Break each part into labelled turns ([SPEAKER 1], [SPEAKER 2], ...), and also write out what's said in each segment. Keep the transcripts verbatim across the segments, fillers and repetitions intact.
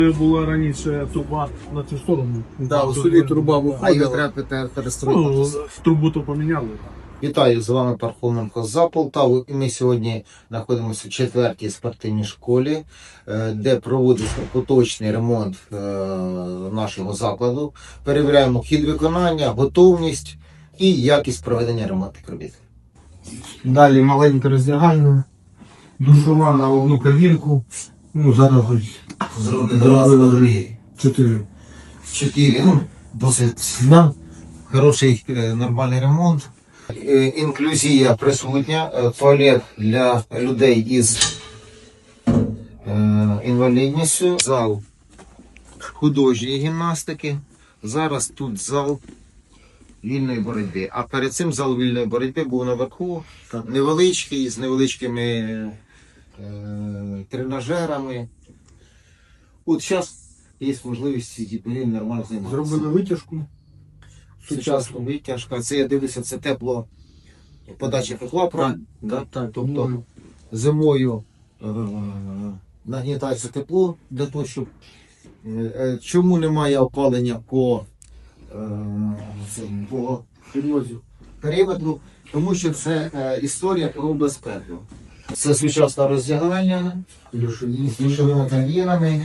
[SPEAKER 1] Була раніше труба на цю сторону.
[SPEAKER 2] Да, у селі труба
[SPEAKER 3] А її
[SPEAKER 2] виходила.
[SPEAKER 3] треба перестроїти.
[SPEAKER 1] Ну, трубу то поміняли.
[SPEAKER 3] Вітаю, з вами Пархоменко за Полтаву. І ми сьогодні знаходимося в четвертій спортивній школі, де проводиться поточний ремонт нашого закладу. Перевіряємо хід виконання, готовність і якість проведення ремонтних робіт.
[SPEAKER 2] Далі маленька роздягальня, душова на одну кабінку. Ну, зараз ось зробили чотири.
[SPEAKER 3] Чотири. Ну, досить
[SPEAKER 2] Да.
[SPEAKER 3] хороший, е, нормальний ремонт. Е, Інклюзія присутня, е, туалет для людей із е, інвалідністю, зал художньої гімнастики. Зараз тут зал вільної боротьби. А перед цим зал вільної боротьби був наверху, невеличкий, з невеличкими е, тренажерами. От зараз є можливість ці дітей нормально займатися.
[SPEAKER 2] Зробили витяжку.
[SPEAKER 3] Сучасна витяжка. Це я дивлюся, це тепло, подача тепла, правильно?
[SPEAKER 2] Да, так,
[SPEAKER 3] Тобто зимою е, нагнітається тепло для того, щоб е, е, чому немає опалення по, е, цьому, по периметру, тому що це е, історія про безпеку. Це сучасне роздягання з душовими кабінами,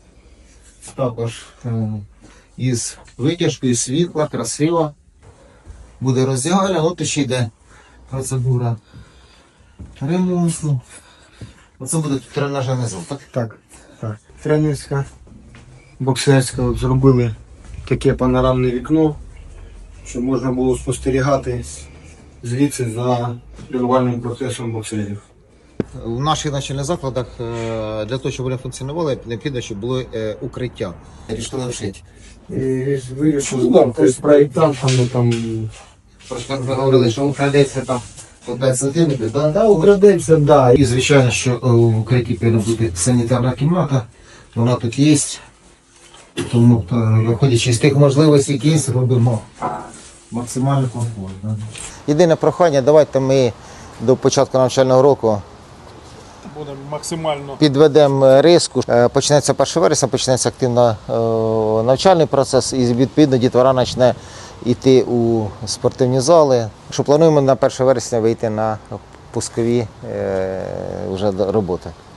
[SPEAKER 3] також е, із витяжкою світла, красиво. Буде роздягальня, от ще йде процедура ремонту. Оце буде тренажерний зал, так?
[SPEAKER 2] Так, так. Тренерська, боксерська. От зробили таке панорамне вікно, щоб можна було спостерігати звідси за тренувальним процесом боксерів.
[SPEAKER 3] В наших навчальних закладах е, для того, щоб вони функціонували, необхідно, щоб було е, укриття. Рішили вшити.
[SPEAKER 2] І вирішили, ну, з проєктантами там.
[SPEAKER 3] Просто ви говорили, що украдеться там по п'ять сантиметрів, так?
[SPEAKER 2] Да, украдеться, да.
[SPEAKER 3] І звичайно, що е, в укритті повинна бути санітарна кімната, вона тут є. Тому, е, виходячи з тих можливостей, які є, робимо максимально комфортно. Єдине прохання, давайте ми до початку навчального року
[SPEAKER 1] Будемо максимально.
[SPEAKER 3] підведемо риску. Е, Почнеться перше вересня, почнеться активно е, навчальний процес і відповідно дітвора почне йти у спортивні зали. Що плануємо на перше вересня вийти на пускові е, вже роботи.